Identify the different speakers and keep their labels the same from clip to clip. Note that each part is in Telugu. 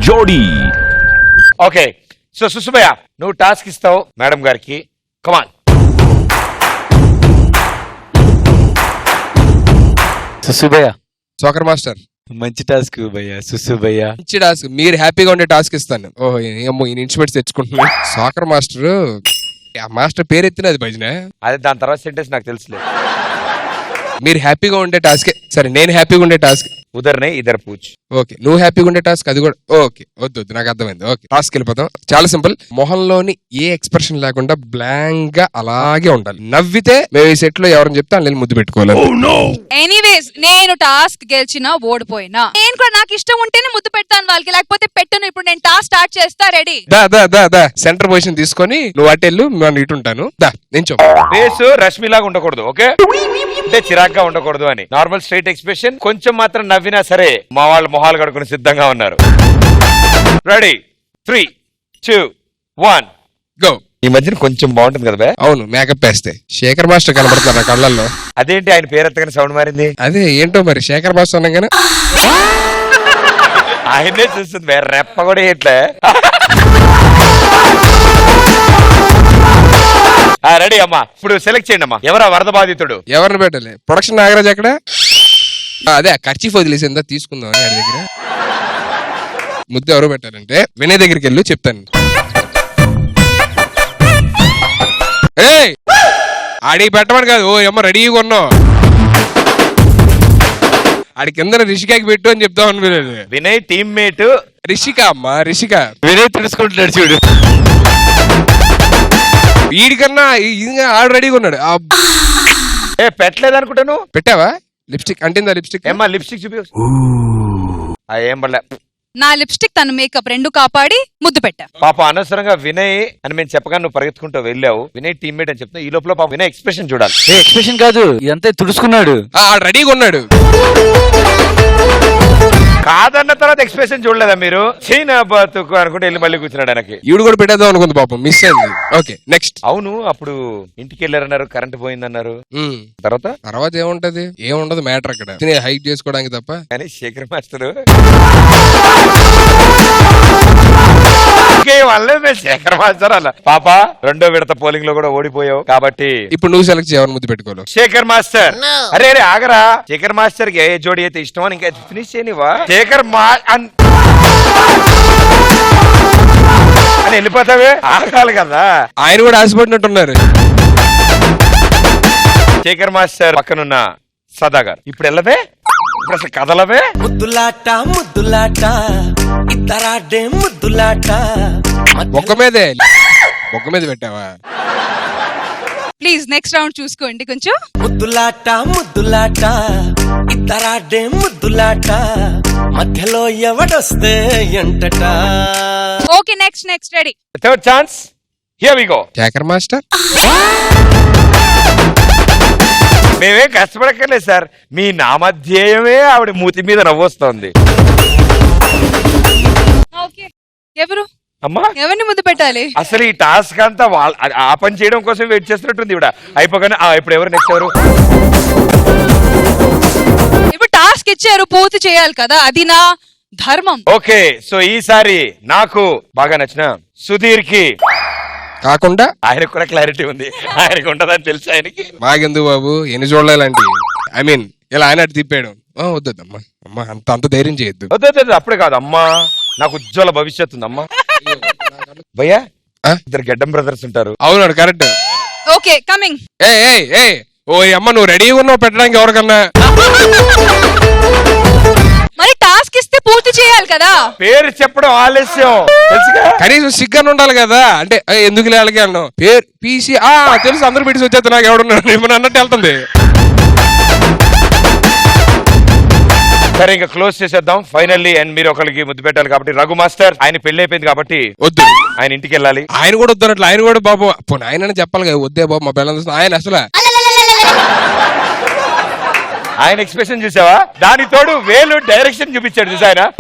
Speaker 1: జోడీ.
Speaker 2: ఓకే, సో సుసుభయ్య నువ్వు టాస్క్ ఇస్తావు మేడం గారికి. కమాన్.
Speaker 3: సుసుభయ్య
Speaker 4: సోకర్ మాస్టర్
Speaker 3: మంచి టాస్క్ భయ్య. సుసుభయ్య
Speaker 4: మంచి టాస్క్, మీరు హ్యాపీగా ఉండే టాస్క్ ఇస్తాను. ఓహో ఏమో ఈ ఇన్స్ట్రుమెంట్స్ తెచ్చుకుంటున్నాను. సోకర్ మాస్టర్ ఆ మాస్టర్ పేరు ఎత్తినది భజన.
Speaker 2: అదే దాని తర్వాత సెంటెన్స్ నాకు తెలుసులేదు.
Speaker 4: మీరు హ్యాపీగా ఉండే టాస్క్. సరే నేను హ్యాపీగా ఉండే టాస్క్.
Speaker 2: ఉదర్నే ఇద్దరు పూచ్.
Speaker 4: ఓకే నువ్వు హ్యాపీగా ఉండే టాస్క్ అది కూడా. ఓకే వద్దు నాకు అర్థమైంది. ఓకే టాస్క్ వెళ్ళిపోతాం. చాలా సింపుల్. మొహంలోని ఏ ఎక్స్ప్రెషన్ లేకుండా బ్లాంక్ గా అలాగే ఉండాలి. నవ్వితే మేము ఈ సెట్ లో ఎవరైనా చెప్తే అందులో ముద్దు పెట్టుకోవాలి.
Speaker 5: ఎనీవేస్ నేను టాస్క్ గెలిచినా ఓడిపోయినా నేను కూడా నాకు ఇష్టం ఉంటేనే ముద్దు పెడతాను వాళ్ళకి, లేకపోతే పెట్టను. ఇప్పుడు నేను టాస్క్ స్టార్ట్ చేస్తా. రెడీ?
Speaker 4: దా సెంటర్ పొజిషన్ తీసుకొని నువ్వు అటెళ్ళు నేను ఇటు ఉంటాను. దా నించో.
Speaker 2: ఫేస్ రష్మిలాగా ఉండకూడదు, ఓకే? అంటే చిరాగ్గా ఉండకూడదు అని. Normal straight expression. కొంచెం మాత్రం నవ్వినా సరే మా వాళ్ళు మొహాలు కడుకుని సిద్ధంగా ఉన్నారు. Ready 3, 2, 1
Speaker 4: go.
Speaker 2: ఈ మధ్యన కొంచెం బాగుంటుంది కదా బే?
Speaker 4: అవును మేకప్ వేస్తే శేఖర్ మాస్టర్ కనబడతారు నా కళ్ళల్లో.
Speaker 2: అదేంటి ఆయన పేరు ఎత్తగానే సౌండ్ మారింది?
Speaker 4: అదే ఏంటో మరి శేఖర్ మాస్టర్ అనగానే
Speaker 2: ఆయనే చూస్తుంది బే, రెప్ప కూడా ఇట్లే. రెడీ అమ్మా, ఇప్పుడు సెలెక్ట్ చేయండి అమ్మా. ఎవరా వరద బాధితుడు?
Speaker 4: ఎవరిని పెట్టాలి? ప్రొడక్షన్ నాగరాజ్ ఎక్కడ? అదే ఖర్చీఫ్ వదిలేసిందా తీసుకుందాం అని దగ్గర. ముద్దు ఎవరు పెట్టాలంటే వినయ్ దగ్గరికి వెళ్ళి చెప్తాను. ఏయ్ ఆడికి పెట్టమని కాదు, ఓ అమ్మ రెడీగా ఉన్నావు. ఆడి కింద రిషికాకి పెట్టు అని చెప్తాం అని.
Speaker 2: వినయ్ టీమ్మేట్
Speaker 4: రిషిక అమ్మా, రిషిక.
Speaker 3: వినయ్ తెలుసుకుంటున్నాడు చూడు.
Speaker 4: వీడికన్నా ఆడు రెడీగా ఉన్నాడు.
Speaker 2: పెట్టలేదు అనుకుంటాను.
Speaker 4: పెట్టావా? లిప్స్టిక్ అంటిందా? లిప్స్టిక్
Speaker 2: ఏమ్మా లిప్స్టిక్ చూపి. ఏం పడలే.
Speaker 5: నా లిప్స్టిక్ తన మేకప్ రెండు కాపాడి ముద్దు పెట్టా.
Speaker 2: పాప అనవసరంగా వినయ్ అని మేము చెప్పగా నువ్వు పరిగెత్తుకుంటూ వెళ్ళావు. వినయ్ టీమ్మేట్ అని చెప్తున్నా. ఈ లోపల పాప వినయ్ ఎక్స్ప్రెషన్ చూడాలి.
Speaker 3: ఎక్స్ప్రెషన్ కాదు ఇదంతా తుడుచుకున్నాడు.
Speaker 4: ఆడు రెడీగా ఉన్నాడు.
Speaker 2: కాదన్న తర్వాత ఎక్స్ప్రెషన్ చూడలేదా మీరు? చైనా బతుకు అనుకుంటే వెళ్ళి మళ్ళీ కూర్చున్నాడు ఆయనకి.
Speaker 4: ఈవిడ కూడా పెట్టేద్దాం అనుకుంది పాపం, మిస్ అయింది. Okay next.
Speaker 2: అవును, అప్పుడు ఇంటికి వెళ్ళారన్నారు, కరెంట్ పోయిందన్నారు. తర్వాత
Speaker 4: ఏముంటది? ఏముండదు మ్యాటర్ అక్కడ, హైక్ చేసుకోవడానికి తప్ప.
Speaker 2: కానీ శేఖర్ మాస్టర్ శేఖర్ మాస్టర్ అలా పాప రెండో విడత పోలింగ్ లో కూడా ఓడిపోయావు కాబట్టి
Speaker 4: ఇప్పుడు నువ్వు సెలెక్ట్ చేయవని ముద్దు పెట్టుకోవాలి.
Speaker 2: శేఖర్ మాస్టర్. అరే ఆగరా. శేఖర్ మాస్టర్ కి ఏ జోడి అయితే ఇష్టం అని ఇంకా ఫినిష్ చేయనివా? శేఖర్ అని వెళ్ళిపోతావే, ఆగాలి కదా.
Speaker 4: ఆయన కూడా ఆశపడినట్టున్నారు.
Speaker 2: శేఖర్ మాస్టర్ పక్కనున్న సదా గారు ఇప్పుడు వెళ్ళవే, ఇప్పుడు అసలు కదలవే.
Speaker 6: ముద్దులాట ముద్దులాట ఇద్దరాడే ముద్దులాట.
Speaker 4: బొక్క మీదే బొక్క మీద పెట్టావా?
Speaker 5: ప్లీజ్ నెక్స్ట్ రౌండ్ చూసుకోండి కొంచెం.
Speaker 6: ముద్దులాట ముద్దులాట ఇద్దరాడే ముద్దులాట. మధ్యలో ఎవడొస్తే ఎంటట.
Speaker 5: Okay next ready.
Speaker 2: Third chance, here we go.
Speaker 4: Shekar master
Speaker 2: మేమేం కష్టపడక్కర్లేదు సార్, మీ నామధ్యేయమే ఆవిడ మూతి మీద నవ్వొస్తోంది.
Speaker 5: ఓకే ఎవరు
Speaker 2: అమ్మా
Speaker 5: ఎవరిని ముద్దు పెట్టాలి?
Speaker 2: అసలు ఈ టాస్క్ అంతా ఆ పని చేయడం కోసం వెయిట్ చేస్తున్నట్టుంది ఇవిడ. అయిపోగానే ఇప్పుడు ఎవరు నెక్స్ట్ ఎవరు?
Speaker 5: ఇప్పుడు టాస్క్ ఇచ్చారు, పూర్తి చేయాలి కదా, అది నా ధర్మం.
Speaker 2: ఓకే సో ఈసారి నాకు బాగా నచ్చిన సుధీర్ కి
Speaker 4: కాకుండా
Speaker 2: ఆయనకు కూడా క్లారిటీ ఉంది. ఆయనకు ఉంటదని తెలుసు ఆయనకి.
Speaker 4: మాకెందుకు బాబు ఎన్ని చూడలేలాంటి. ఐ మీన్ ఇలా ఆయన అటు తిప్పాడు. వద్దమ్మా అమ్మా అంత ధైర్యం చేయొద్దు.
Speaker 2: వద్దు అప్పుడే కాదు అమ్మా, నాకు ఉజ్వల భవిష్యత్తు ఉంది అమ్మా. భయ్యా ఇద్దరు గెడ్డం బ్రదర్స్ ఉంటారు.
Speaker 4: అవునాడు కరెక్ట్.
Speaker 5: Okay coming.
Speaker 4: ఏ ఓ అమ్మ నువ్వు రెడీగా ఉన్నావు పెట్టడానికి ఎవరికన్నా.
Speaker 5: మరి టాస్క్ ఇస్తే పూర్తి చేయాలి కదా.
Speaker 2: పేరు చెప్పడం ఆలస్యం తెలుసుగా.
Speaker 4: కనీసం సిగ్గని ఉండాలి కదా. అంటే ఎందుకు లేళ్ళకి అన్నావు పేరు పీసీ తెలుసు అందరూ పెట్టి వచ్చేస్తా నాకు ఎవడున్నాడు ఇప్పుడు అన్నట్టు వెళ్తుంది.
Speaker 2: సరే ఇంకా క్లోజ్ చేసేద్దాం ఫైనల్లీ. అండ్ మీరు ఒకరికి ముద్దు పెట్టాలి కాబట్టి రఘు మాస్టర్ ఆయన పెళ్లి అయిపోయింది కాబట్టి
Speaker 4: వద్దు,
Speaker 2: ఆయన ఇంటికి వెళ్ళాలి.
Speaker 4: ఆయన కూడా వద్దన్నట్లు. ఆయన కూడా బాబు పోనీ ఆయన చెప్పాలి కదా, వద్దే బాబు మా పిల్లలు. ఆయన అసలు
Speaker 2: ఆయన ఎక్స్ప్రెషన్ చూసావా? దాని తోడు వేలు డైరెక్షన్ చూపించాడు చూసా ఆయన.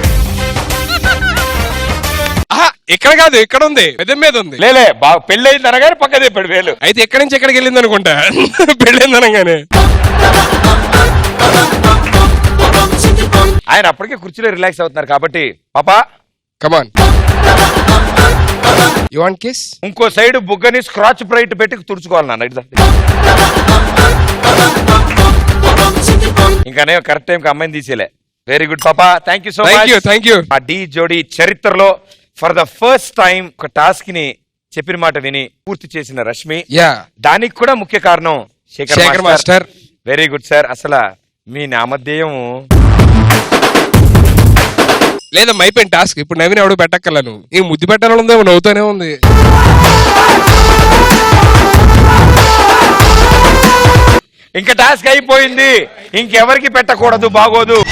Speaker 4: ఇక్కడ కాదు ఇక్కడ ఉంది, పెద్ద మీద ఉంది.
Speaker 2: లేలే బాగా పెళ్ళయింది అనగానే పక్క చెప్పాడు వేలు.
Speaker 4: అయితే ఎక్కడి నుంచి ఎక్కడికి వెళ్ళింది అనుకుంటా పెళ్ళైంది అనగానే.
Speaker 2: ఆయన అప్పటికే కుర్చీలో రిలాక్స్ అవుతున్నారు కాబట్టి పాపా
Speaker 4: కమాన్ యు వాంట్ కిస్
Speaker 2: ఇంకో సైడ్ బుగ్గని స్క్రాచ్ బ్రైట్ పెట్టి తుడుచుకోవాలి నాన్న ఇటు దా. ఇంకానే కరెక్ట్ టైం కి అమ్మాయిని తీసేలే. వెరీ గుడ్ పాపా, thank you so
Speaker 4: thank you
Speaker 2: much. ఆ డి జోడి చరిత్రలో ఫర్ ద ఫస్ట్ టైం ఒక టాస్క్ ని చెప్పిన మాట విని పూర్తి చేసిన రష్మి.
Speaker 4: యా
Speaker 2: దానికి కూడా ముఖ్య కారణం
Speaker 4: Shekar
Speaker 2: Shekar
Speaker 4: master.
Speaker 2: Very good sir. అసలు మీ నామధేయం
Speaker 4: లేదమ్మా అయిపోయింది టాస్క్. ఇప్పుడు నవీన్ ఎవడు పెట్టక్కర్లా, నువ్వు ఈ ముద్దు పెట్టాలని ఉందేమో, నవ్వుతూనే ఉంది.
Speaker 2: ఇంకా టాస్క్ అయిపోయింది, ఇంకెవరికి పెట్టకూడదు, బాగోదు.